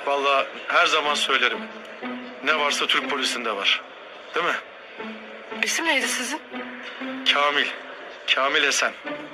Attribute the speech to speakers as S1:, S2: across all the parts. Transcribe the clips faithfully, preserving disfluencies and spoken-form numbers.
S1: Vallahi her zaman söylerim. Ne varsa Türk polisinde var. Değil mi?
S2: İsim neydi sizin?
S1: Kamil. Kamil Esen.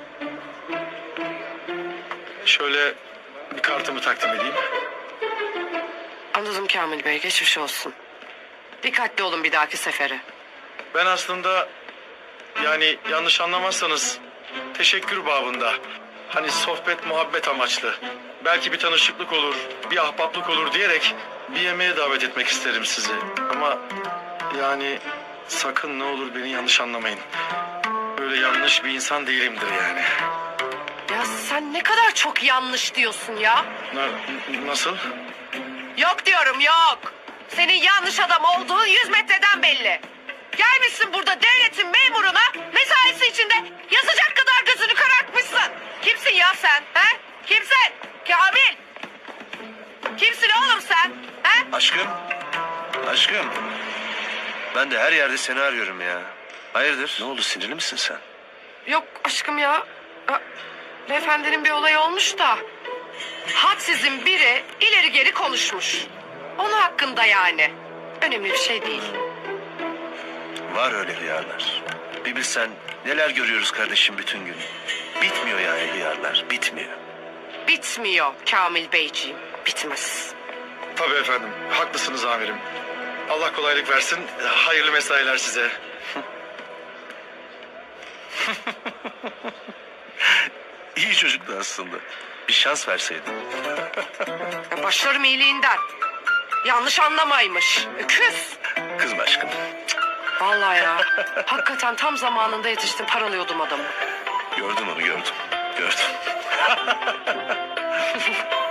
S1: Şöyle bir kartımı takdim edeyim.
S2: Anladım Kamil Bey, geçmiş olsun. Dikkatli olun bir dahaki sefere.
S1: Ben aslında yani yanlış anlamazsanız teşekkür babında. Hani sohbet muhabbet amaçlı. Belki bir tanışıklık olur, bir ahbaplık olur diyerek bir yemeğe davet etmek isterim sizi. Ama yani sakın ne olur beni yanlış anlamayın. Böyle yanlış bir insan değilimdir yani.
S2: Ya sen ne kadar çok yanlış diyorsun ya.
S1: Na- nasıl?
S2: Yok diyorum yok. Senin yanlış adam olduğun yüz metreden belli. Gelmişsin burada devletin memuruna mesaisi içinde yazacak kadar gözünü karartmışsın. Kimsin ya sen? He? Kimsin? Kamil. Kimsin oğlum sen? He?
S3: Aşkım. Aşkım. Ben de her yerde seni arıyorum ya. Hayırdır? Ne oldu, sinirli misin sen?
S2: Yok aşkım ya. Ha, Beyefendinin bir olayı olmuş da. Hadsizin biri ileri geri konuşmuş. Onun hakkında yani. Önemli bir şey değil.
S3: Var öyle hıyarlar. Bir bilsen neler görüyoruz kardeşim bütün gün. Bitmiyor yani hıyarlar, bitmiyor.
S2: Bitmiyor Kamil Beyciğim. Bitmez.
S1: Tabii efendim. Haklısınız amirim. Allah kolaylık versin. Hayırlı mesailer size.
S3: İyi çocuktu aslında. Bir şans verseydin.
S2: Ya başlarım iyiliğinden. Yanlış anlamaymış. Öküz.
S3: Kızma aşkım.
S2: Vallahi ya. Hakikaten tam zamanında yetiştim. Paralıyordum adamı.
S3: Gördüm onu, gördüm. Gördüm.